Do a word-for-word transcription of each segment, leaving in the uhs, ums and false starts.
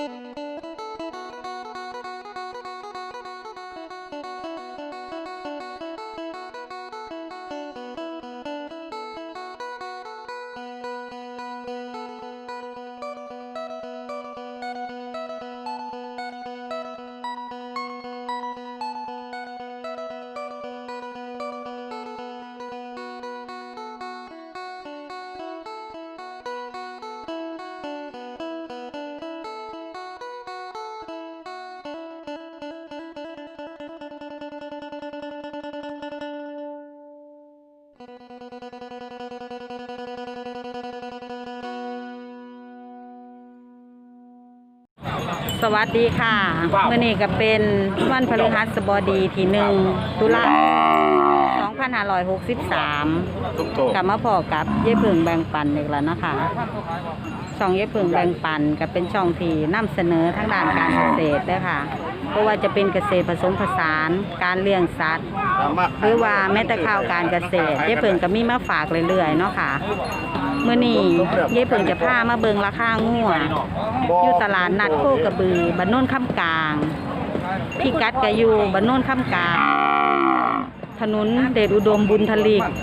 สวัสดีค่ะเมื่อนี้ก็เป็นวันพฤหัสบดีที่หนึ่งตุลาสองพันห้าร้อยหกสิบสามกลับมาพอกับเย่เพิงแบ่งปันอีกแล้วนะคะช่องเย่เพิงแบ่งปันก็เป็นช่องที่นำเสนอทางด้านการเกษตรด้วยค่ะเพราะว่าจะเป็นเกษตรผสมผสานการเลี้ยงสัตว์หรือว่าแม้แต่ข่าวการเกษตรเย่เพิงก็มีมาฝากเรื่อยๆเนาะค่ะเมื่อนี้เย่เพิงจะพามาเบิงราคางัวอยู่ตลาดนัดโคกระบือบ้านโน่นค่ำกลางพี่กัดก็อยู่บ้านโน่นค่ำกลางถนนเดชอุดมบุญทลีก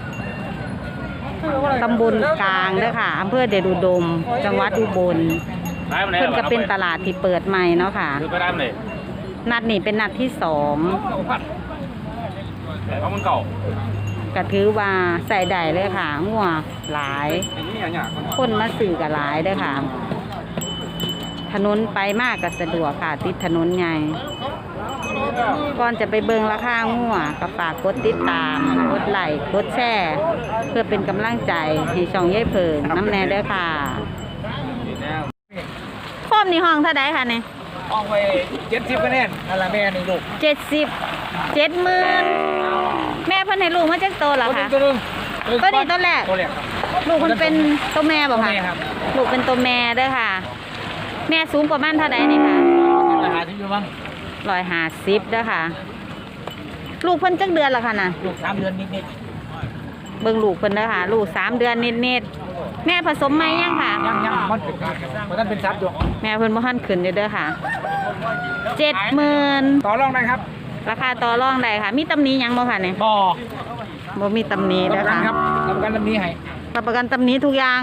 ตำบลกลางเด้อค่ะอำเภอเดชอุดมจังหวัดอุบลเพิ่นก็เป็นตลาดที่เปิดใหม่เนาะค่ะนัดนี้เป็นนัดที่สองก็ถือว่าใส่ได้เลยค่ะงัวหลายคนมาซื้อก็หลายเด้อค่ะถนนไปมากก็สะดวกค่ะติดถนนใหญ่ก่อนจะไปเบิงราคางัวก็ฝากกดติดตามกดไลค์กดแชร์เพื่อเป็นกำลังใจที่ช่องเย่เพิงน้ำแน่เด้อค่ะโคมนี่ห้องเท่าไดค่ะเนี่ยห้องไปเจ็ดสิบคะแนนอะไรแม่หนึ่งลูกเจ็ดสิบเจ็ดหมื่นแม่เพิ่นให้ลูกมาจากโตเหรอคะตัวนึงตัวนี้ตัวแรกตัวแรกครับลูกมันเป็นตัวแม่บอกค่ะลูกเป็นตัวแม่เด้อค่ะแม่สูงประมาณเท่าไดนี่ค่ะร้อยห้าสิบอยู่มั้งร้อยห้าสิบเด้อค่ะลูกเพิ่นจักเดือนละค่ะน่ะลูกสามเดือนนิดๆเบิ่งลูกเพิ่นเด้อค่ะลูกสามเดือนนิดๆแม่ผสมไหมยังค่ะยังยังมันเป็นมันต้องเป็นซับอยู่แม่เพิ่นบ่ทันขึ้นอยู่เด้อค่ะเจ็ดหมื่นต่อรองได้ครับราคาต่อรองได้ค่ะมีตำหนิยังบ่ค่ะเนี่ยบ่บ่มีตำหนิเด้อค่ะรับประกันตำหนิให้รับประกันตำหนิทุกอย่าง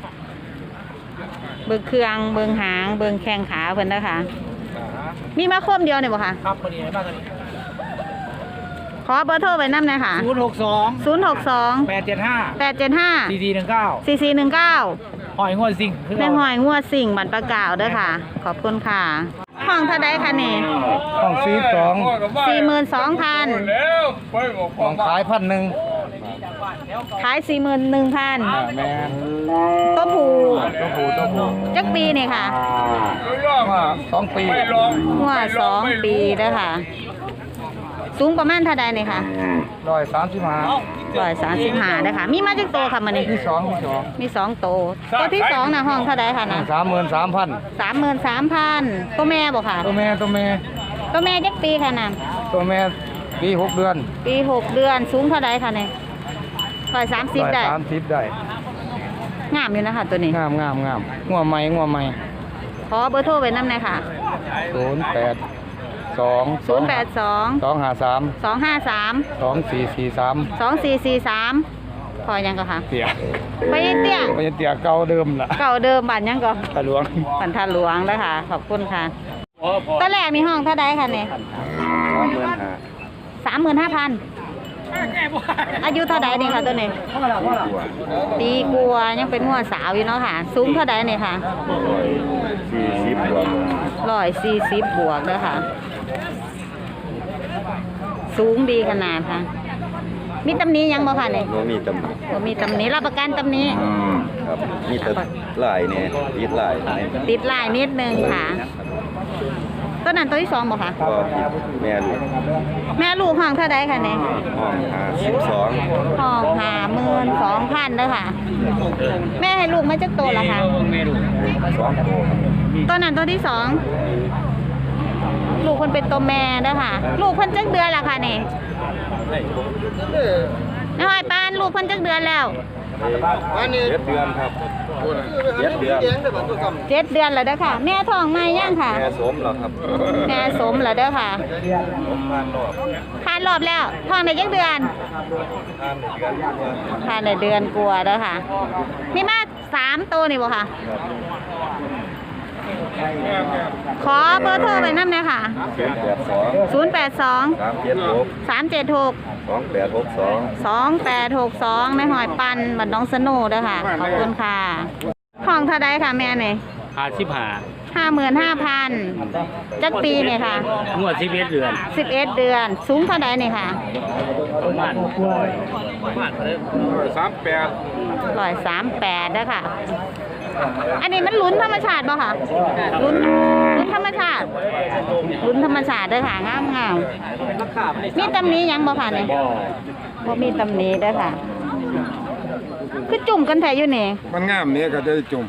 เบิ่งเครื่องเบิ่งหางเบิ่งแข้งขาเพิ่นเด้อค่ะมีมาคมเดียวเนี่ยบ่ค่ะครับพอดีมากเลยขอเบอร์โทรไว้นำหน่อยค่ะศูนย์หกสองศูนย์หกสองแปดเจ็ดห้าแปดเจ็ดห้าสี่สี่หนึ่งเก้าสี่สี่หนึ่งเก้าหอยงวดสิงแม่หอยงัวสิ่งบันปลากาวเด้อค่ะขอบคุณค่ะห้องเท่าใดคะนี่ห้องสี่สองสี่หมื่นสองพันห้องขายพันหนึ่งขายสี่หมื่นหนึ่งพันแม่ตัวผูตัวผูตัวผูจักปีนี่ค่ะว่าสองปีหัวสองปีเด้อค่ะสูงประมาณเท่าใดนี่ค่ะร้อยสามสิบห้าร้อยสามสิบห้าเด้อค่ะมีมาจักโตค่ะมันนี่มีสองมีสองมีสองโตตัวที่สองน่ะห้องเท่าใดค่ะนะสามหมื่นสามพันสามหมื่นสามพันตัวแม่บอกค่ะตัวแม่ตัวแม่ตัวแม่จักปีค่ะน่ะตัวแม่ปีหกเดือนปีหกเดือนสูงเท่าใดค่ะเนี่ยร้อยสามสิบได้สามสิบได้งามอยู่นะคะตัวนี้งามงามงามงัวใหม่งัวใหม่ขอเบอร์โทรไว้น้ำหน่อยค่ะศูนย์แปดสองศูนย์แปดสองสองห้าสามสองห้าสามสองสี่สี่สามสองสี่สี่สามพอยังก็ค่ะเตี้ยไปเตี้ยไปเตี้ยเก่าเดิมล่ะเก่าเดิมบ้านยังก็ตาหลวงบ้านท่าหลวงแล้วค่ะขอบคุณค่ะตอนแรกมีห้องเท่าใดค่ะเนี่ยสามหมื่นห้าพันอายุเท่าใดนี่ค่ะตัวนี้ปีกลัวยังเป็นหัวสาวอยู่เนาะค่ะสูงเท่าใดนี่ค่ะร้อยสี่สิบบวกเด้อค่ะสูงดีขนาดค่ะมีตำหนิยังบ่ค่ะเนี่ยบ่มีตำหนิบ่มีตำหนิรับประกันตำหนิครับมีแต่ลายเนี่ยติดลายติดลายนิดนึงค่ะตัวนั้นตัวที่สองบ่ค่ะก็แม่ลูกแม่ลูกห้องเท่าใดค่ะเนี่ยห้องห้าสิบสองห้องห้าหมื่นสองพันเด้อค่ะแม่ให้ลูกมาจักโตแล้วค่ะตัวนั้นตัวที่สองลูกคนเป็นตัวแม่เด้อค่ะลูกเพิ่นจักเดือนแล้วค่ะนี่น้อยปานลูกเพิ่นจักเดือนแล้วเจ็ดเดือนครับเจ็ดเดือนเจ็ดเดือนแล้วเด้อค่ะ แม่ท้องไหมยังค่ะแม่สมเหรอครับแม่สมแล้วเด้อค่ะผมผ่านรอบผ่านรอบแล้วท้องได้จักเดือนผ่านเดือนกว่าผ่านได้เดือนกว่าเด้อค่ะนี่มาสามตัวนี่บ่ค่ะ ขอเบอร์โทรไปนั่นเลยค่ะศูนย์แปดสองศูนย์แปดสองสามเจ็ดหกสามเจ็ดหกสองแปดหกสองสองแปดหกสองในหอยปันบัดน้องสโนุเด้อค่ะ ขอบคุณค่ะของเท่าใดค่ะแม่นี่ห้าสิบห้าห้าหมื่นห้าพันจักปีเนี่ยค่ะงวดสิบเอ็ดเดือนสิบเอ็ดเดือน สูงเท่าใดนี่ค่ะประมาณประมาณสามแปดร้อยสามแปดเด้อค่ะ อันนี้มันลุ้นธรรมชาติป่ะค่ะลุ้นลุ้นธรรมชาติลุ้นธรรมชาติเด้อค่ะงามงามมีตำหนี้ยังบ่ค่ะเนี่ยบ่มีตำหนี้เด้อค่ะ คือจุ่มกันแท้อยู่นี่มันงามนี้ก็จะจุ่ม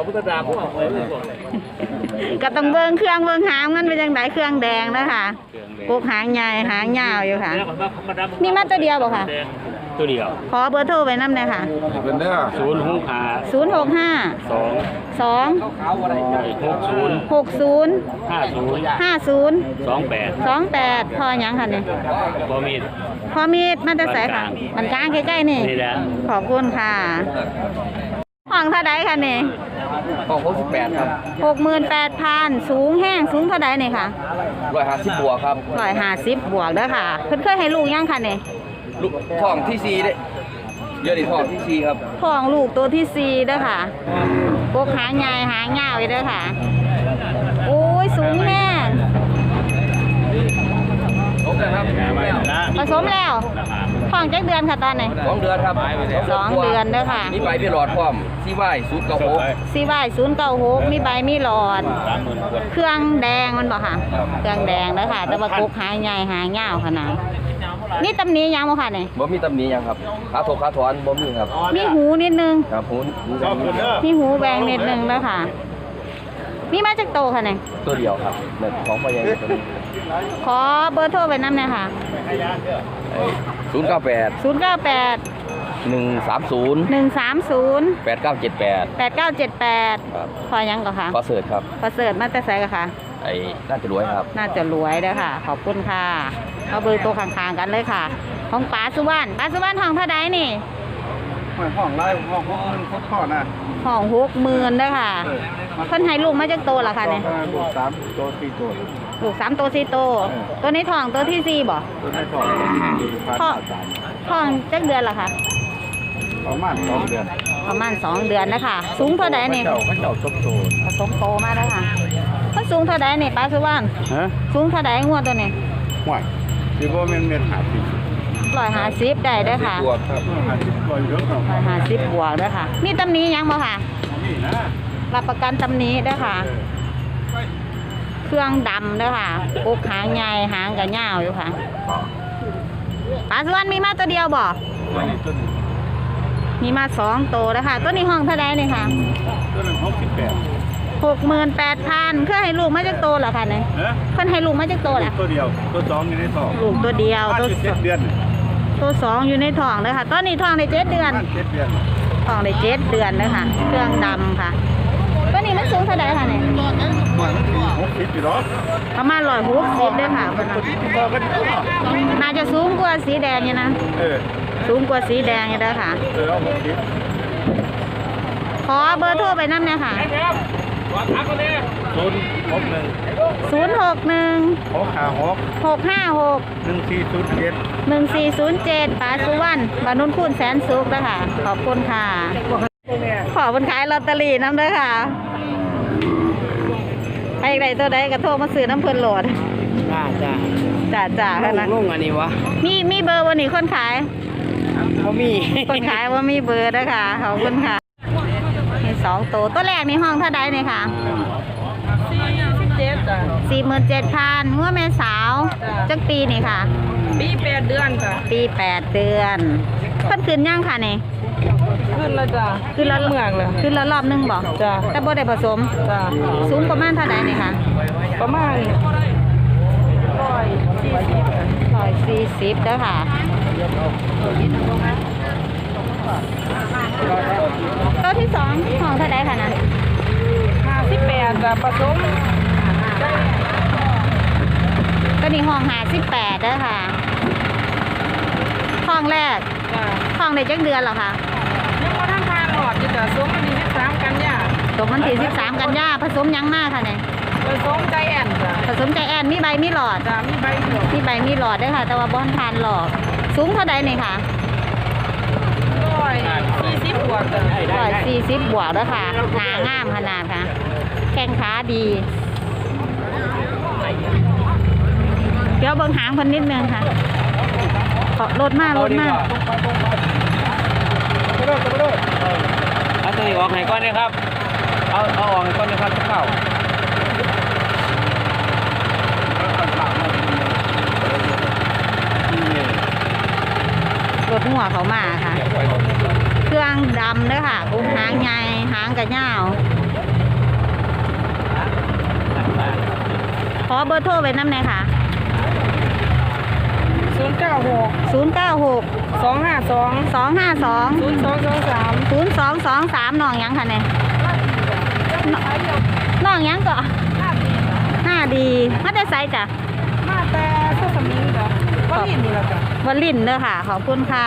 ก็ต้องเบิ่งเครื่องเบิ่งหางมันเป็นจังไดเครื่องแดงเด้อค่ะกกหางใหญ่หางยาวอยู่ค่ะมีมาตัวเดียวบ่ค่ะตัวเดียวขอเบอร์โทรไว้นำหน่อยค่ะเป็นเด้อศูนย์หกห้าศูนย์หกห้าสองสองหกศูนย์หกศูนย์ห้าศูนย์ห้าศูนย์สองแปดสองแปดพอหยังค่ะเนี่ยบอมีดพอมีดมันจะใส่ค่ะ มันกลางใกล้ๆนี่นี่แหละขอบคุณค่ะห้องเท่าไดค่ะนี่ของหกสิบแปดครับหกหมื่นแปดพันสูงแห้งสูงเท่าไดนี่ค่ะร้อยห้าสิบบวกครับร้อยห้าสิบบวกเด้อค่ะ เพิ่นเคยให้ลูกยังค่ะนี่ลูกท้องที่สี่เด้เยอะดิท้องที่สี่ครับท้องลูกตัวที่สี่เด้อค่ะพวกหางใหญ่หางยาวอยู่เด้อค่ะ โอ้ยสูงแห้งโอเคครับผสมแล้วท้องจักเดือนค่ะตอนนี้สองเดือนครับสองเดือนเด้อค่ะมีใบพี่หลอดพร้อมที่ไหว้ศูนย์เก้าหกซีไวศูนย์เก้าหกมีใบมีหลอด เครื่องแดงมันบอกค่ะ เครื่องแดงเด้อค่ะ แต่ว่ากกหางใหญ่หางยาวขนาดนี่ตำหนี้ยังบ่ค่ะนี่บ่มีตำหนิหยังครับขาถกขาถอนบ่มีครับมีหูนิดนึงครับหูหูแบบนี้มีหูแบงนิดนึงแล้วค่ะ มีมาจากโตค่ะเนี่ยตัวเดียวครับแบบของพ่อใหญ่ตัวนี้ขอเบอร์โทรไปน้ำหน่อยค่ะศูนย์เก้าแปดศูนย์เก้าแปดหนึ่งสามศูนย์หนึ่งสามศูนย์แปดเก้าเจ็ดแปดแปดเก้าเจ็ดแปดครับพอยังก่อนค่ะขอเสิร์ชครับประเสริฐมาแต่ไสกันค่ะไอ้น่าจะรวยครับน่าจะรวยเด้อค่ะ ขอบคุณค่ะเอาเบอร์โตข้างๆกันเลยค่ะ ของป๋าสุวรรณป๋าสุวรรณห้องเท่าใดนี่ห้องไร่ห้องห้องมันข้อนะห้องหกหมื่นเด้อค่ะเพิ่นให้ลูกมาจากโตละค่ะเนี่ยลูกสามตัวสี่ตัวลูกสามโตสี่โต ตัวนี้ท้องตัวที่สี่บ่ตัวนี้สองท้องท้องจักเดือนละค่ะประมาณสองเดือนประมาณสองเดือนนะคะสูงเท่าใดนี่เจ้าเขาเจ้าจบโตผสมโตมากแล้วค่ะมันสูงเท่าใดนี่ป้าสุวรรณฮะสูงเท่าใดงวดตัวนี้ห่วยคือว่ามันเม็ดหาสิบร้อยห้าสิบได้เด้อค่ะบวกครับหาสิบร้อยเยอะครับร้อยห้าสิบบวกเด้อค่ะ มีตำหนี้ยังบ่ค่ะนี่นะรับประกันตำหนี้เด้อค่ะ เครื่องดำเด้อค่ะกกหางใหญ่หางกับยาวอยู่ค่ะป้าสุวรรณมีมาตัวเดียวบ่ตัวนี้ตัวนี้มีมาสองโตเด้อค่ะตัวนี้ห้องเท่าใดนี่ค่ะตัวนึงหกสิบแปดหกหมื่นแปดพันเพื่อให้ลูกมาจากโตเหรอคะเนี่ยเอ๊ะเพิ่นให้ลูกมาจากโตแหละตัวเดียวตัวสองอยู่ในท้องลูกตัวเดียวตัวเจ็ดเดือนตัวสองอยู่ในท้องเลยค่ะ ตอนนี้ท้องในเจ็ดเดือนเจ็ดเดือนท้องในเจ็ดเดือนเลยค่ะ เครื่องดำค่ะ ตัวนี้มันสูงเท่าไหร่ค่ะเนี่ยหกสิบอยู่หรอประมาณร้อยหกสิบด้วยค่ะเพิ่นน่ะตัวกันน่าจะสูงกว่าสีแดงอยู่นะเออสูงกว่าสีแดงอยู่เด้อค่ะเออหกสิบขอเบอร์โทรไปน้ำเนี่ยค่ะศูนย์หกหนึ่งศูนย์หกหนึ่งหกห้าหกหกห้าหกหนึ่งสี่ศูนย์เจ็ดหนึ่งสี่ศูนย์เจ็ดป้าสุวรรณบานุนคูณแสนสุขนะคะ ขอบคุณค่ะ ขอบคุณขายลอตเตอรี่น้ำเด้อค่ะใครใดตัวใดกระโทรมาซื้อน้ำเพิ่นโหลดจ้าจ้าจ่าจ่าค่ะนะลุงอันนี้วะมีมีเบอร์วันนี้คนขายเขามีคนขายว่ามีเบอร์นะคะ ขอบคุณค่ะมีสองตัวตัวแรกในห้องเท่าใดเนี่ยค่ะสี่หมื่นเจ็ดพันงัวแม่สาวจักปีนี่ค่ะปีแปดเดือนจ้ะปีแปดเดือนเพิ่นขึ้นยังค่ะนี่ขึ้นแล้วจ้ะขึ้นแล้วเมืองเลยขึ้นแล้วรอบหนึงบอกจ้ะแต่บ่ได้ผสมจ้ะสูงประมาณเท่าใดนี่ค่ะประมาณร้อยสี่สิบร้อยสี่สิบเด้อค่ะตัวที่สองห้องเท่าไดค่ะนะห้าสิบแปดจ้ะผสมตัวนี้ห้องหาสิบแปดเด้อค่ะห้องแรกจ้ะห้องได้จักเดือนเหรอคะยังบ่ทันทานหลอดอยู่จ้ะสมวันที่สิบสามกันยาตกวันที่สิบสามกันยาผสมหยังมากค่ะเนี่ยผสมใจแอนจ้ะผสมใจแอนมีใบมีหลอดจ้ะมีใบเดียวมีใบมีหลอดเด้วยค่ะ แต่ว่าบอนทานหลอดสูงเท่าใดนี่ค่ะร้อยสี่สิบบวกจ้ะร้อยสี่สิบบวกเด้อค่ะหนางามขนาดค่ะแข้งขาดี เดี๋ยวเบิ่งหางคนนิดนึงค่ะขอรถมากรถมากเอาตัวนี้ออกไหนก้อนเนี่ยครับเอาเอาออกไหนก้อนเนี่ยครับเข้ารถหัวเขามาค่ะ เครื่องดำเด้อค่ะกุ้งหางใหญ่หางกระยาวขอเบอร์โทรไว้น้ำหน่อยค่ะศูนย์เก้าหกศูนย์ เก้า หกสองห้าสองสอง ห้า สองศูนย์สองสองสามศูนย์ สอง สอง สามน้องหยังค่ะเนี่ยน้องหยังก็ห้าดีมาแต่ไซจ้ะมาแต่เสื้อสมิงจ้ะก็เห็นนี่แหละจ้ะวลินเด้อค่ะ ขอบคุณค่ะ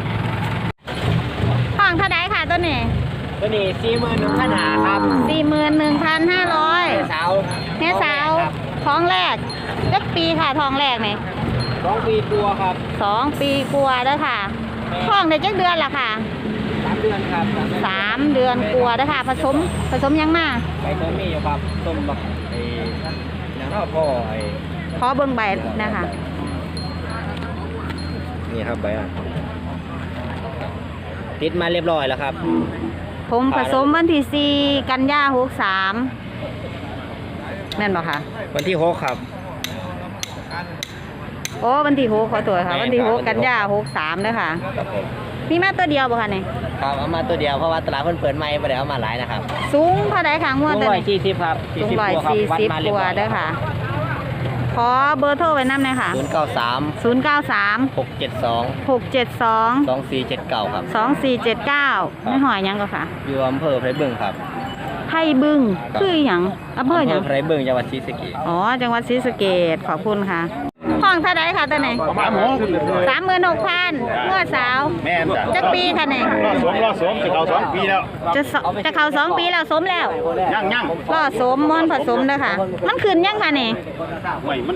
ห้องเท่าไดค่ะตัวนี้ตัวนี้สี่หมื่นหนึ่งพันหาครับสี่หมื่นหนึ่งพันห้าร้อยสาวแม่สาวท้องแรกจักปีค่ะท้องแรกนี่สองปีตัวครับสองปีกลัวาเด้อค่ะท้องได้จักเดือนละค่ะสามเดือนครับสามเดือนกลัวาเด้อค่ะ ผสมผสมยังมาไปตัวมีอยู่ครับต้มบักไอ้นางข้าวพ่อไอ้ขอเบิ่งใบนะคะนี่ครับใบอ่ะติดมาเรียบร้อยแล้วครับผมผสมวันที่สี่กันยาหกสามแม่นบ่ค่ะวันที่หกครับโอ้วันที่หกขอตัวค่ะแม่นครับวันที่หกวันที่หกกันยาหกสามเด้อค่ะครับผมมีมาตัวเดียวบ่ค่ะนี่ครับเอามาตัวเดียวเพราะว่าตลาดเพิ่นเปิดใหม่ไม่ได้เอามาหลายนะครับสูงเท่าใดค่ะงวดตัวร้อยนี้สี่สิบครับสูงร้อยสี่สิบกว่าเด้อค่ะ ขอเบอร์โทรไว้นำหน่อยค่ะศูนย์เก้าสามศูนย์ เก้า สามหกเจ็ดสองหกเจ็ดสองสองสี่เจ็ดเก้าครับสองสี่เจ็ดเก้าไม่หอยหยังก็ค่ะอยู่อำเภอไพรบึงครับไผ่บึงคือหยังอำเภอหยังไพรบึงจังหวัดศรีสะเกษอ๋อ จังหวัดศรีสะเกษขอบคุณค่ะ ห้องเท่าไดค่ะตัวไหนประมาณหกสามหมื่นหกพันเมื่อสาวแม่นจ้ะจักปีค่ะเนี่ยรอสวมรอสวมจะเขาสองปีแล้วจะสจะเข้าสองปีแล้วสมแล้วย่างย่างล่อสมมอนผสมเด้อค่ะ มันขึ้นยังค่ะเนี่ยไม่มัน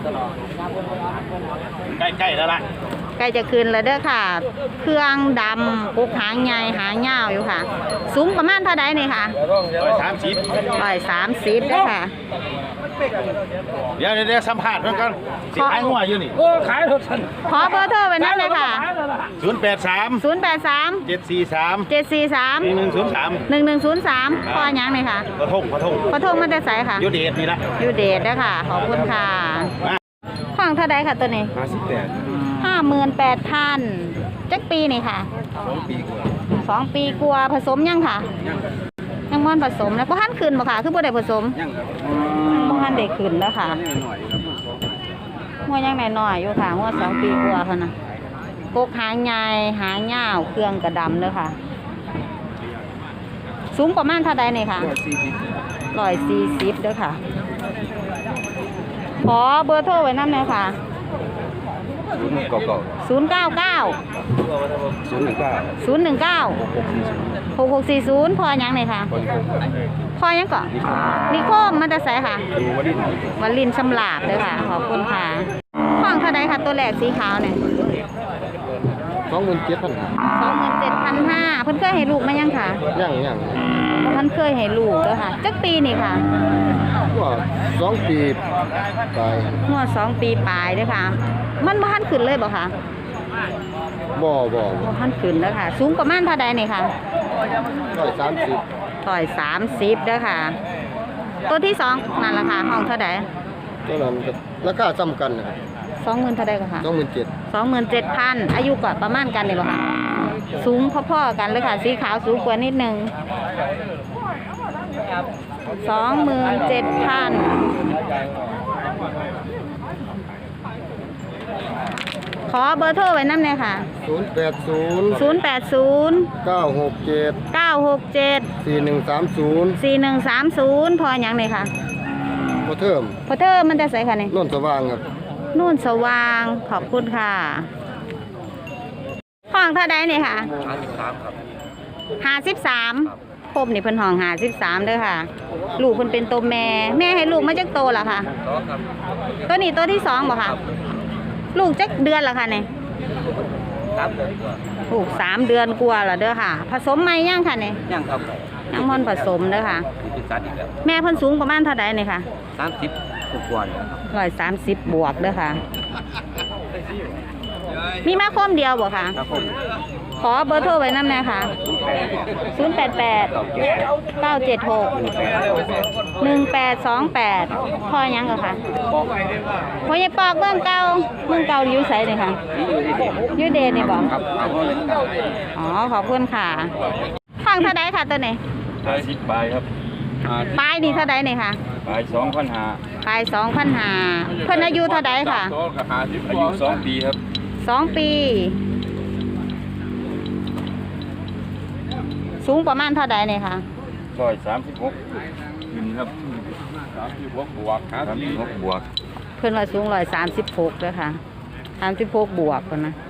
ใกล้ใกล้แล้วล่ะใกล้จะขึ้นแล้วเด้อค่ะ เครื่องดำกุกหางใหญ่หางยาวอยู่ค่ะ สูงประมาณเท่าใดนี่ค่ะร้อยสามสิบร้อยสามสิบเด้อค่ะเดี๋ยวเดี๋ยวสัมภาษณ์เพื่อนกันสิขายหัวอยู่นี่ขอเบอร์โทรไว้นั่นเลยค่ะศูนย์แปดสามศูนย์ แปด สามเจ็ดสี่สามเจ็ด สี่ สามหนึ่งหนึ่งศูนย์สามหนึ่ง หนึ่ง ศูนย์ สามพอหยังเลยค่ะกระทงกระทงขอโทษมาแต่ไสค่ะอยูเดชนี่ละยูเดทเด้อค่ะ ขอบคุณค่ะห้องเท่าใดค่ะตัวนี้ห้าสิบแปดห้าหมื่นแปดพันจักปีนี่ค่ะสองปีกว่าสองปีกลัวาผสมยังค่ะ ยังม่อนผสมนะเพราะท่านขึ้นบ่ค่ะ คือบ่ได้ผสมยังครับบ่ท่านได้ขึ้นแล้วค่ะหน่อยครับหัวยังน้อยๆอยู่ค่ะหัวสองปีกว่าค่ะนะกกหางใหญ่หางยาวเครื่องกระดำเด้อค่ะ สูงประมาณเท่าใดนี่ค่ะ ร้อยสี่สิบเด้อค่ะ ขอเบอร์โทรไว้น้ำหน่อยค่ะศูนย์เก้าเก้าศูนย์ เก้า เก้าศูนย์หนึ่งเก้าศูนย์ หนึ่ง เก้า หก หก สี่ ศูนย์พอยังเลยค่ะ พอยังก่อนนิโคมมันจะใส่ค่ะดูวันนี้วันลินชำลาบเลยค่ะ ขอบคุณค่ะห้องเท่าใดค่ะตัวแรกสีขาวเนี่ยสองหมื่นเจ็ดพันสองหมื่นเจ็ดพันห้าเพิ่นเคยให้ลูกมายังค่ะย่างย่างเพิ่นเคยให้ลูกเด้อค่ะจักปีนี่ค่ะว่าสองปีไปงวดสองปีปลายเด้อค่ะ มันบ่ทันขึ้นเลยบ่ค่ะบ่บ่บ่ทันขึ้นเด้อค่ะ สูงประมาณเท่าใดนี่ค่ะร้อยสามสิบร้อยสามสิบเด้อค่ะ ตัวที่สองนั่นล่ะค่ะห้องเท่าใดตัวนั้นก็ราคาซ้ำกันนะครับสองหมื่นเท่าใดก็ค่ะสองหมื่นเจ็ดสองหมื่นเจ็ดพันอายุกว่าประมาณกันเลยบ่ค่ะ สูงพอๆกันเลยค่ะ สีขาวสูงกว่านิดนึงสองหมื่นเจ็ดพันขอเบอร์โทรไว้น้ำเลยค่ะศูนย์แปดศูนย์ศูนย์แปดศูนย์เก้าหกเจ็ดเก้าหกเจ็ดสี่หนึ่งสามศูนย์สี่หนึ่งสามศูนย์พออย่างเลยค่ะพอเทิมพอเธอมันจะใส่ค่ะนี่นนสว่างครับนู่นสว่างขอบคุณค่ะห้องเท่าใดนี่ค่ะห้าสิบสามครบนี่เพิ่นห้องห้าสิบสามเด้อค่ะ ลูกเพิ่นเป็นตัวแม่ แม่ให้ลูกมาจักโตล่ะค่ะตัวนี้ตัวที่สองบ่ค่ะ ลูกจักเดือนละค่ะนี่ลูกสามเดือนกว่าแล้วเด้อค่ะ ผสมไหมย่างค่ะนี่ยังครับยังพ่นผสมเด้อค่ะเป็นสัตว์อีกแล้วแม่เพิ่นสูงประมาณเท่าใดนี่ค่ะสามสิบกว่าเนี่ยร้อยสามสิบบวกเด้อค่ะ มีมาคมเดียวบ่ค่ะครับผมขอเบอร์โทรไว้น้ำแน่ค่ะ ศูนย์ แปด แปด เก้า เจ็ด หก หนึ่ง แปด สอง แปดพ่อยังก็ค่ะพ่อใหญ่ปอกเมืองเก่าเมืองเก่าอยู่ไสนี่ค่ะอยู่เดชนี่บ่อ๋อขอบคุณค่ะฟังเท่าใดค่ะตัวนี้ห้าสิบใบครับปลายนี่เท่าใดนี่ค่ะใบสองพันห้าปลายสองพันห้าเพิ่นอายุเท่าใดค่ะอายุสองปีครับสองปี สูงประมาณเท่าใดนี่ค่ะร้อยสามสิบหกขึ้นครับสามสิบหกบวกครับสามสิบหกบวกเพิ่นว่าสูงร้อยสามสิบหกเลยค่ะสามสิบหกบวกคนนะ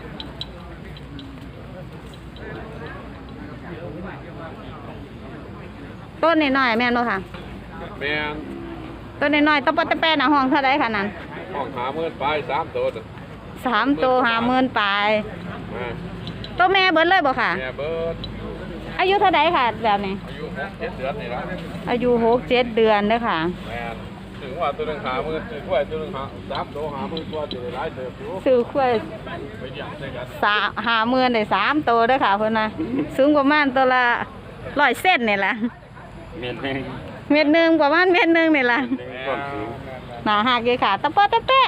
ต้นน้อยๆแม่นบ่ค่ะแม่นต้นน้อยๆตะปะตะแปะน่ะห้องเท่าใดค่ะนั้นห้องหาเมื่อไปสามตัวน่ะสามตัวห้าหมื่นปลายแม่ตัวแม่เบิดเลยบ่ค่ะแม่เบิร์ดอายุเท่าใดค่ะแบบนี้อายุหกเจ็ดเดือนนี่ละอายุหกเจ็ดเดือนเด้อค่ะแม่นถึงว่าตัวหนึงหาเมื่อถึงว่าตัวหนึงหาสามตัวหาเมื่อตัวจะได้หลายเติบอยู่ซื้อควายไปหยั่งใส่กันสาห้าหมื่นได้สามตัวเด้อค่ะเพิ่นน่ะสูงประมาณตัวละร้อยเส้นนี่ล่ะเมียนแห้งเม็ดหนึ่งประมาณเม็ดหนึ่งนี่ล่ะความสูงหนาหักเลยค่ะตะปอตะเปะ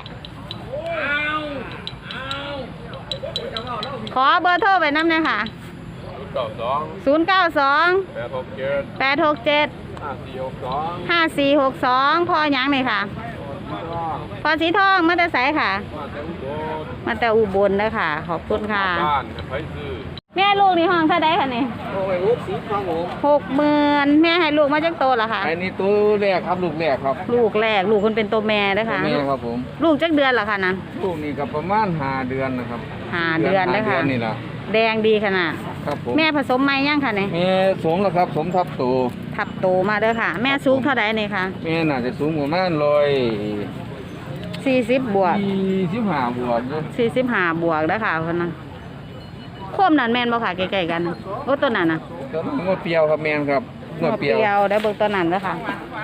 ขอเบอร์โทรไปน้ำหน่อยค่ะเก้าสองศูนย์ เก้า สองแปดหกเจ็ดแปด หก เจ็ดห้าสี่หกสองห้า สี่ หก สองพอหยังนี่ค่ะ พอสีทองมาแต่ไสค่ะมาแต่อุบลมาแต่อุบลเด้อค่ะ ขอบคุณค่ะบ้านไปซื้อแม่ลูกนี่ห้องเท่าไดค่ะนี่โอ้ยลูกสีข้างผมหกหมื่นแม่ให้ลูกมาจากโตเหรอคะอันนี้ตัวแรกครับลูกแรกครับลูกแรกลูกคนเป็นตัวแม่เด้อค่ะแม่ครับผมลูกจักเดือนเหรอคะนั้นลูกนี่ก็ประมาณห้าเดือนนะครับห้าเดือนเด้อค่ะห้าดืนี่ล่ะแดงดีขนาดครับผมแม่ผสมไหมยังค่ะนี่แม่สมแล้วครับสมทับตัวทับโตมาเด้อค่ะ แม่สูงเท่าไดนี่ค่ะแม่น่าจะสูงประมาณร้อยสี่สิบบวกสี่สิบห้าบวกอยู่สี่สิบห้าบวกแล้วค่ะคนนะโคมนั่นแม่นบ่ค่ะใกล้ๆกันนะโอ้ตัวนั้นน่ะตัวนั้นงวดเปรียวครับแม่นครับงวดเปรียวยวได้เบิ่งตัวนั้นแล้วค่ะ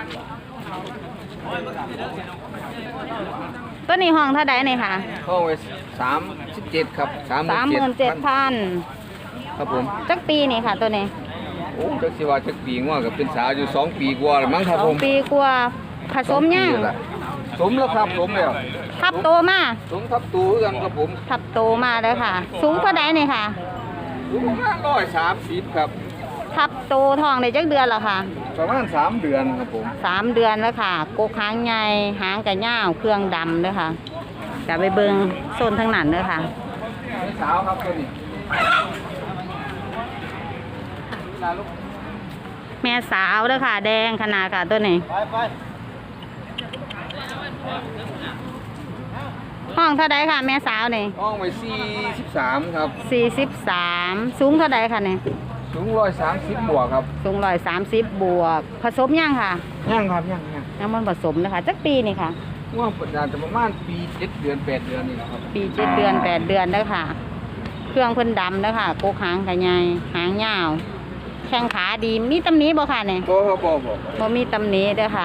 ตัวนี้ห้องเท่าใดนี่ค่ะเข้าไปสามสิบเจ็ดครับสามสามหมื่นเจ็ดพันครับผมจักปีนี่ค่ะ ตัวนี้โอ้จักสิว่าจักปีงว่ากับเป็นสาวอยู่สองปีกว่าแล้วมั้งครับสอผงมปีกว่าผสมยังสองปีแล้วสมแล้วครับสมแล้วทับโตมาสมทับตูคือกันครับผมทับโตมาแล้วค่ะ สูงเท่าใดนี่ค่ะสูงประมาณร้อยสามสิบครับทับโตทองได้จักเดือนแล้วค่ะประมาณสามเดือนครับผมสามเดือนแล้วค่ะกกหางใหญ่หางกระย่าวเครื่องดำเด้อค่ะจะไปเบิ่งโซนทั้งนั้นเด้อค่ะแม่สาวครับตัวนี้แม่สาวเด้อค่ะ แดงขนาดค่ะตัวนี้ห้องเท่าใดค่ะ แม่สาวนี่ห้องไว้สี่สิบสามครับสี่สิบสามสูงเท่าใดค่ะนี่สูงร้อยสามสิบบวกครับสูงร้อยสามสิบบวก ผสมยังค่ะย่างครับย่างย่างยังมันผสมนะคะจักปีนี่ค่ะว่าปัจจุบันจะประมาณปีเจ็ดเดือนแปดเดือนนี่แหละครับปีเจ็ดเดือนแปดเดือนเด้อค่ะ เครื่องเพิ่นดำเด้อค่ะกกหางกระใหญ่หางยาว แข้งขาดีมีตำหนิบ่ค่ะเนี่ยบ่ครับบ่บ่บ่มีตำหนิเด้อค่ะ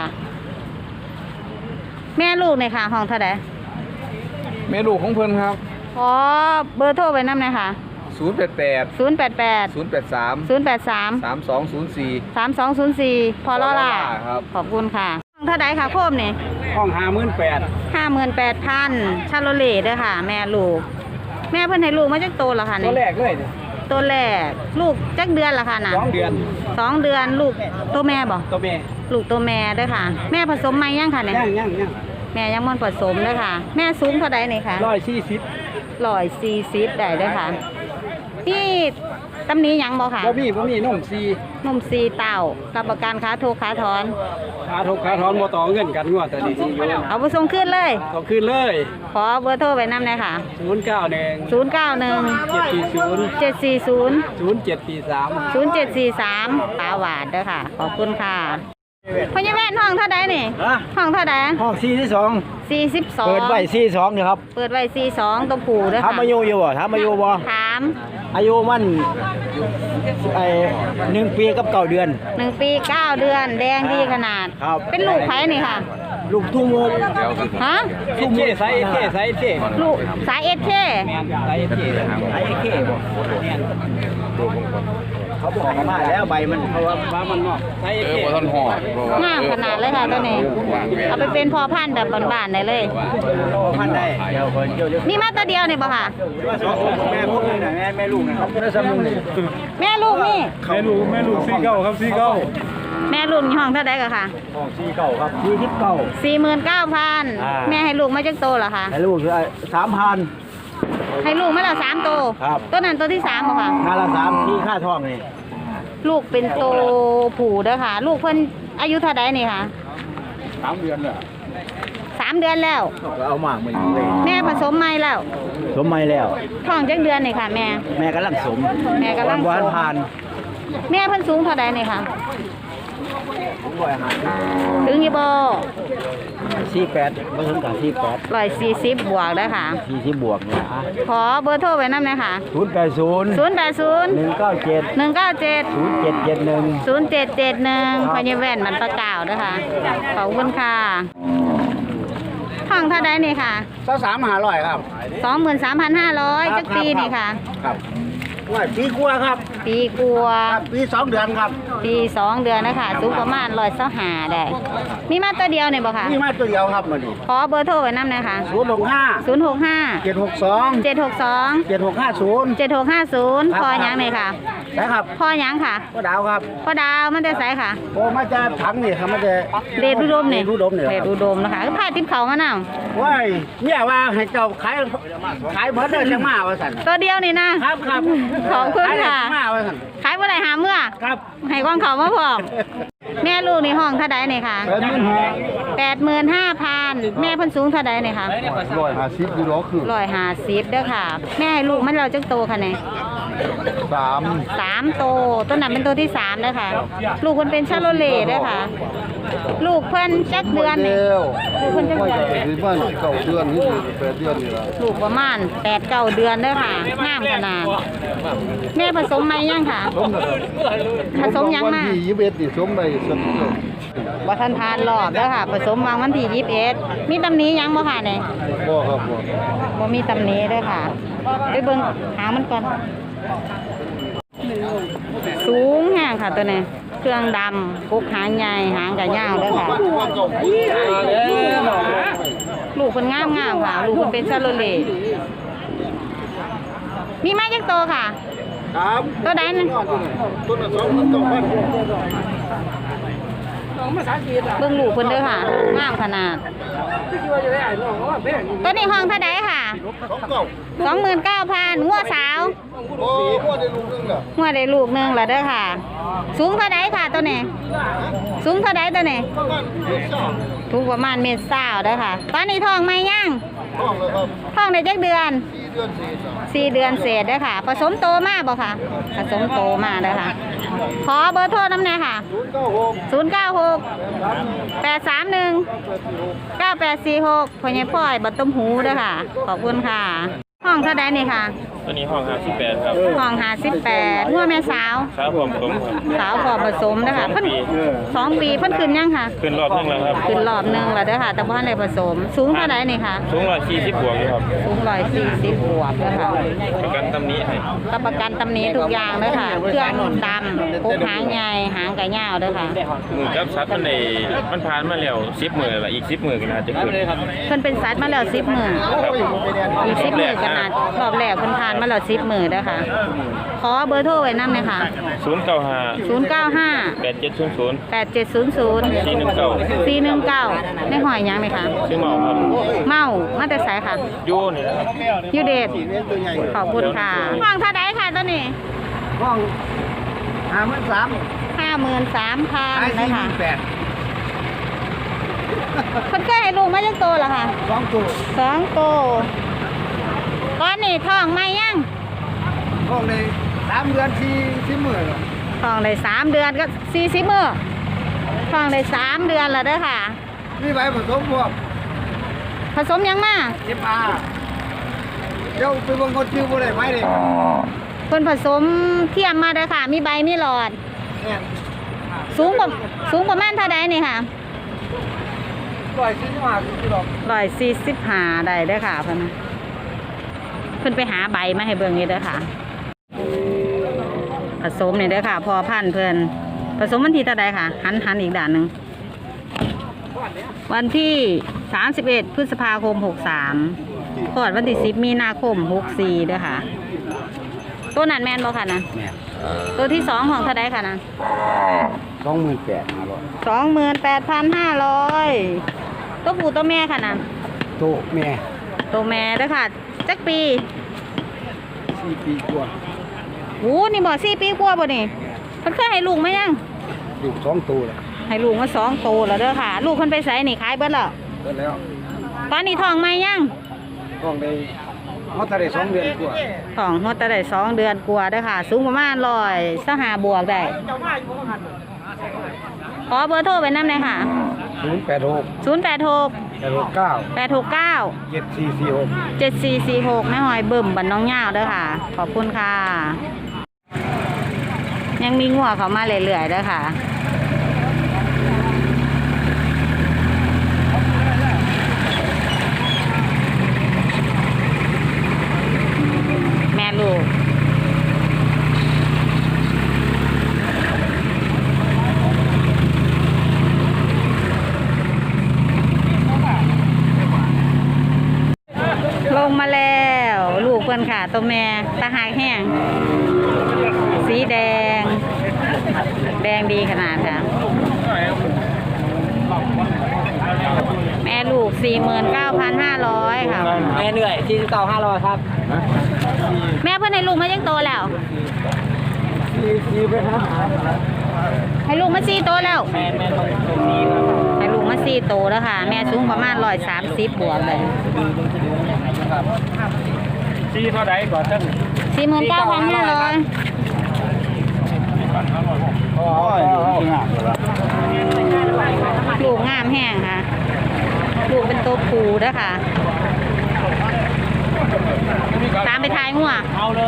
แม่ลูกนี่ค่ะ ห้องเท่าใดแม่ลูกของเพิ่นครับขอเบอร์โทรไว้นำหน่อยค่ะศูนย์แปดแปดศูนย์ แปด แปดศูนย์แปดสามศูนย์ แปด สามสามสองศูนย์สี่สาม สอง ศูนย์ สี่พอลอล่าครับขอบคุณค่ะห้องเท่าใดค่ะโคมนี่ห้องหาหมื่นแปดห้าหมื่นแปดพันชาโลเล่เด้อค่ะ แม่ลูก แม่เพิ่นให้ลูกมาจักโตแล้วค่ะตัวนี่แรกเลยตัวแรกลูกจักเดือนละค่ะน่ะสองเดือนสองเดือนลูกตัวแม่บ่ตัวแม่ลูกตัวแม่เด้อค่ะ แม่ผสมไหมยังค่ะเนี่ยย่างย่างย่างแม่ยังมันผสมเด้อค่ะ แม่สูงเท่าใดนี่ค่ะร้อยสี่สิบร้อยสี่สิบได้เด้อค่ะนี่ตำหนี้ยังบ่ค่ะบ่มีบ่มีนมซีนมซีเต่ารับประกันค้าโทรค้าถอนขาทุกขาถอนบ่ต่อเงินกันงวดแต่นี้สิอยู่เอาไปส่งขึ้นเลยก็คืนเลยขอเบอร์โทรไว้นำเลยค่ะศูนย์เก้าหนึ่งศูนย์ เก้า หนึ่งเจ็ดสี่ศูนย์เจ็ด สี่ ศูนย์ศูนย์เจ็ดสี่สามศูนย์ เจ็ด สี่ สามตาหวาดเด้อค่ะขอบคุณค่ะพญาแม่นห้องเท่าใดนี่ฮะห้องเท่าใดห้องสี่ที่สองสี่สิบสองเปิดไว้สี่สองเนี่ยครับเปิดไว้สี่สองตัวผู้เด้อถามค่ะอายุอยู่บ่ถามอายุบ่ถามอายุมันไอ้หนึ่งปีกับเก้าเดือนหนึ่งปีเก้าเดือนแดงดีขนาดครับเป็นลูกไผ่นี่ค่ะลูกทุ่งโมงฮะทุ่งโมงไซส์เท่ไซส์เท่ลูกสายเอสเคแม่นไซส์เท่ไซส์เท่บ่แม่นเขาบอกมาแล้วใบมันเพราะว่าฟ้ามันนอกไซส์เออเท่บ่ทันห่องามขนาดเลยค่ะตัวนี้เอาไปเป็นพ่อพันธุ์แบบบ้านๆได้เลยพันได้เดี๋ยวคนเดี๋ยวเดี๋ยวนี่มาตัวเดียวนี่บ่ค่ะสองคนแม่พวกนี้น่ะแม่แม่ลูกนะครับได้สำนึกนี่แม่ลูกนี่แม่ลูกแม่ลูกสี่เก้าครับสี่เก้าแม่ลูกนี่ห้องเท่าใดก็ค่ะของสี่เก้าครับสี่สิบเก้าสี่หมื่นเก้าพันอ่าแม่ให้ลูกมาจักโตเหรอคะให้ลูกสามพันให้ลูกมาแล้วสามโตครับตัวนั้นตัวที่สามบ่ค่ะงานละสามที่ค่าทองนี่ลูกเป็นโตผู้เด้อค่ะ ลูกเพิ่นอายุเท่าใดนี่ค่ะสามเดือนเลยสามเดือนแล้วก็เอามาเหมือนเลยแม่ผสมใหม่แล้วสมไม่แล้วท้องจักเดือนนี่ค่ะ แม่แม่กำลังสมแม่กำลังสมวันผ่านแม่เพิ่นสูงเท่าใดนี่ค่ะผมบ่อยหาถึงอีบ่สี่แปดไม่ถึงกับสี่แปดร้อยสี่สิบบวกเด้อค่ะสี่สิบบวกเนี่ยอ่ะขอเบอร์โทรไว้นำหน่อยค่ะศูนย์แปดศูนย์ศูนย์ แปด ศูนย์หนึ่งเก้าเจ็ดหนึ่ง เก้า เจ็ดศูนย์เจ็ดเจ็ดหนึ่งศูนย์ เจ็ด เจ็ด หนึ่งพญาแว่นมันประกาวเด้อค่ะขอบคุณค่ะห้องเท่าใดนี่ค่ะเจ้าสามหาร้อยครับสองหมื่นสามพันห้าร้อยจักปีนี่ค่ะครับว่าปีกว่าครับปีกลัวาครับปีสองเดือนครับปีสองเดือนนะคะสูงประมาณร้อยเส้าหาได้ มีมาตัวเดียวเนี่ยบ่ค่ะนี่มาตัวเดียวครับมาดิขอเบอร์โทรไว้นำหน่อยค่ะศูนย์หกห้าศูนย์ หก ห้าเจ็ดหกสองเจ็ด หก สองเจ็ดหกห้าศูนย์เจ็ด หก ห้า ศูนย์ครับพอหยังเลยค่ะนะครับพอหยังค่ะก็ดาวครับพอดาวมันจะใสค่ะโอ้มาจะถังนี่ครับมาจะเดชอุดมเนี่ยเดชอุดมเนี่ยเดชอุดมนะคะก็พาทิพเขามานำว้ายเนี่ยว่าให้เจ้าขายขายเบิดเด้อจังมาว่าสั่นตัวเดียวนี่นะครับครับขอบคุณขายได้ค่ะจังมาว่าสั่นขายเมื่อไหร่หาเมื่อครับให้กองเขามาพร้อมแม่ลูกในห้องเท่าใดเนี่ยค่ะแปดหมื่นห้าแปดหมื่นห้าพันแม่เพันสูงเท่าใดเนี่ยค่ะร้อยห้าสิบยูโรคือร้อยห้าสิบเด้อค่ะ แม่ให้ลูกมันเราจักโตค่ะเนี่ยสามสามโตต้นนั้นเป็นตัวที่สามเด้อค่ะ ลูกเพิ่นเป็นชาโลเล่เด้อค่ะ ลูกเพิ่นจักเดือนนี่เดียวลูกเพิ่นจักไม่เดือนใช่ที่บ้านเก่าเดือนนี่แปดเดือนนี่ละลูกประมาณแปดเก้าเดือนเด้อค่ะงามขนาด แม่ผสมไหมยังค่ะสมนะครับผสมยังวันมาที่ยี่สิบเอ็ดนี่สมไปสักเดือนบ่ทันทานรอบเด้อค่ะ ผสมวางวันที่ยี่สิบเอ็ดมีตำหนิยังบ่ค่ะเนี่ยบ่ครับบ่บ่มีตำหนิเด้อค่ะ ไปเบิ่งหางมันก่อน สูงแห้งค่ะตัวนี้ เครื่องดำกุกหางใหญ่หางกะยาวเด้อค่ะ ลูกเพิ่นงามงามๆค่ะ ลูกเพิ่นเป็นซาโลเล่มีไม้จักโตค่ะครับตัวใดนั่นต้นละสองพันสองพันเบิ่งลูกเพิ่นเด้อค่ะ งามขนาด ตัวนี้ห้องเท่าใดค่ะสองเก้าสองหมื่นเก้าพันงัวสาวโอ้พ่อได้ลูกนึงน่ะงัวได้ลูกหนึงแล้วเด้อค่ะ สูงเท่าใดค่ะตัวนี้ สูงเท่าใดตัวนี้ประมาณเจ็ดสองถูกประมาณเมตรเศร้าเด้อค่ะ ตอนนี้ท้องไหมยังห้องเลยครับท้องได้จักเดือนสี่เดือนสี่สามสี่เดือนเศษเด้อค่ะ ผสมโตมาบ่ค่ะ ผสมโตมาเด้อค่ะ ขอเบอร์โทรน้ำแน่ค่ะศูนย์เก้าหกศูนย์ เก้า หก แปด สาม หนึ่ง เก้า แปด สี่ หกพ่อใหญ่พ่อยบัดต้มหูเด้อค่ะ ขอบคุณค่ะ ห้องเท่าใดนี่ค่ะตัวนี้ห้องห้าสิบแปดครับห้องห้าสิบแปดงัวแม่สาวครับผมผมครับสาวพอผสมเด้อค่ะเพิ่นสองปีเพิ่นขึ้นยังค่ะขึ้นรอบนึงแล้วครับขึ้นรอบหนึงแล้วเด้อค่ะ แต่บ่ทันได้ผสม สูงเท่าใดนี่ค่ะสูงร้อยสี่สิบบวกอยู่ครับสูงร้อยสี่สิบบวกเด้อค่ะประกันตำหนี้ให้รับประกันตำหนิทุกอย่างเด้อค่ะ เครื่องดำพกหางใหญ่หางกะยาวเด้อค่ะมือกับซัดมันในมันผ่านมาแล้วสิบมือละอีกสิบมือกันอาจจะขึ้นเพิ่นเป็นสัตว์มาแล้วสิบมื้อครับอีกสิบมื้อก็น่ารอบแรกเพิ่นผ่านานมาแล้วสิบมื้อเด้อค่ะขอเบอร์โทรไว้นำเลยค่ะศูนย์เก้าห้าศูนย์ เก้า ห้าแปดเจ็ดศูนย์ศูนย์แปด เจ็ด ศูนย์ ศูนย์สี่หนึ่งเก้าสี่ หนึ่ง เก้าได้หอยหยังไหมคะชื่อเมาครับเมามาแต่ไสค่ะโยนี่นะครับยูเดชขอบคุณค่ะห้องเท่าไดค่ะตัวนี้ห้องห้าหมื่นสามห้าหมื่นสามพันขายนะสี่หคะมื่นแปดคนเคยให้ลูกมาจักโตเหรอคะสองตัวสองโตก้อนนี่ท้องไหมยังห้องในสามเดือนสี่สี่หมื่นท้องได้สามเดือนก็สี่สิบมื้อท้องได้สามเดือนแล้วเด้อค่ะนี่ใบผสมพวกผสมหยังมาเอฟอาร์เดี๋ยวไปเบิ่งคนชื่อบ่ได้ไหมเลยคนผสมเทียมมาเด้อค่ะ มีใบมีหลอดเนี่ยสูงกว่าสูงประมาณเท่าใดนี่ค่ะร้อยสี่สิบห้ากิโลร้อยสี่สิบห้าได้เด้อค่ะเพิ่นนะเพิ่นไปหาใบมาให้เบิ่งนี่เด้อค่ะ ผสมนี่เด้อค่ะ พอพันธุ์เพิ่นผสมวันที่เท่าใดค่ะ หันหันอีกด้านหนึงวันที่สามสิบเอ็ดพฤษภาคมหกสามคลอดวันที่สิบมีนาคมหกสี่เด้อค่ะ ตัวนั้นแม่นบ่ค่ะนะแม่ตัวที่สองของเท่าใดค่ะนะสองหมื่นแปดห้าร้อยสองหมื่นแปดพันห้าร้อยตัวผู้ตัวแม่ค่ะนะโตแม่ตัวแม่เด้อค่ะจักปีสี่ปีกว่าโอ้นี่บ่สี่ปีกว่าบ่นี่เพิ่นเคยให้ลูกไหมยังลูกสองตัวแล้วให้ลูกมาสองโตแล้วเด้อค่ะ ลูกเพิ่นไปไสนี่ขายเบิดแล้วก็แล้วตอนนี้ท้องไหมยังห้องในเขาทะเลสองเดือนกว่าท้องฮอดแต่ได้สองเดือนกว่าเด้อค่ะ สูงประมาณร้อยสหาบวกได้ขอเบอร์โทรไว้นำเลยค่ะศูนย์แปดหกศูนย์ แปด หกแปดหกเก้าแปด หก เก้าเจ็ดสี่สี่หกเจ็ด สี่ สี่ หกแม่หอยเบิ่มบันน้องย่าวเด้อค่ะ ขอบคุณค่ะ ยังมีงัวเขามาเรื่อยๆเด้อค่ะ แม่ลูก ลงมาแล้ว ลูกเพื่อนค่ะ ตัวแม่ตาหากแห้ง สีแดง แดงดีขนาดค่ะ แม่ลูก สี่หมื่นเก้าพันห้าร้อย ค่ะแม่เหนื่อยที่เก่าห้าร้อยครับแม่เพื่อนให้ลูกมายังโตแล้วสี่สี่ไปครับให้ลูกมาสี่โตแล้วแม่แม่ต้องตรงนี้ครับให้ลูกมาสี่โตแล้วค่ะ แม่สูงประมาณร้อยสามสิบบวกเลยซีเท่าไหร่ก่อนท่านสี่หมื่นเก้าพันห้าร้อยโอ้ยงามเลยลูกงามแห้งค่ะ ลูกเป็นตัวผูด้วยค่ะ ตามไปทายหัวเอาเลย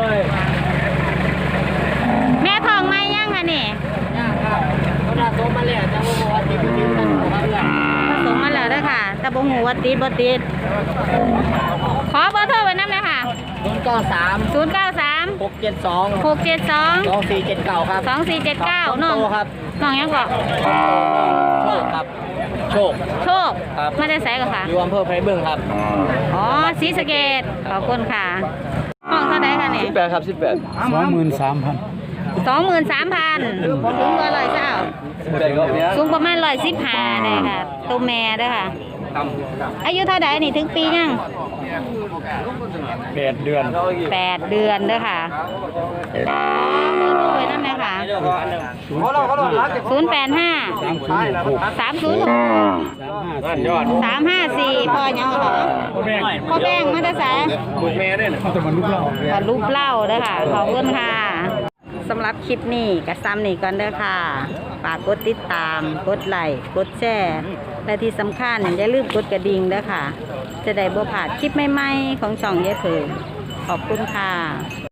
แม่ทองไหมย่างค่ะนี่เขาด่าโตมาแล้วจะบอกว่าติดติดตั้งหัวเรือผสมมาแล้วด้วยค่ะแต่บ่หูว่าติดบ่ติด ขอเบอร์โทรไว้น้ำเลยค่ะศูนย์เก้าสามศูนย์ เก้า สามหกเจ็ดสองหก เจ็ด สองสองสี่เจ็ดเก้าครับสอง สี่ เจ็ด เก้าน้น้ออง งครับน้องยังบอกโชคครับ โชคโชคครับมาได้ไสกันค่ะอยู่อำเภอไพรบึงครับอ๋อศรีสะเกษขอบคุณค่ะ ห้องเท่าไดค่ะนี่สิบแปดครับสิบแปดสองหมื่นสามพันสองหมื่นสามพันสูงกว่าร้อยเจ้าสิบแปดก็เนี้ยสูงประมาณร้อยสิบห้าเลยค่ะตัวแม่เด้วยค่ะ อายุเท่าไดนี่ถึงปียังแปดเดือนแปดเดือนเด้วยค่ะขอเบอร์โทรไว้นั่นเลยค่ะเขาเราเขาเรารักศูนย์แปดห้าสามศูนย์หกนั่นยอดสามห้าสี่พ่อยังเหรอพ่อแบงมาได้สายบุกแม่ด้วยนะเขาจะมาลุกเล่าขอรูปเล่าเด้อค่ะ ขอบคุณค่ะสำหรับคลิปนี้กับซ้ำนี่ก่อนเด้อค่ะ ฝากกดติดตาม กดไลค์กดแชร์และที่สำคัญอย่าลืมกดกระดิ่งเด้อค่ะ จะได้บ่พลาดคลิปใหม่ๆของช่องยายเผิงขอบคุณค่ะ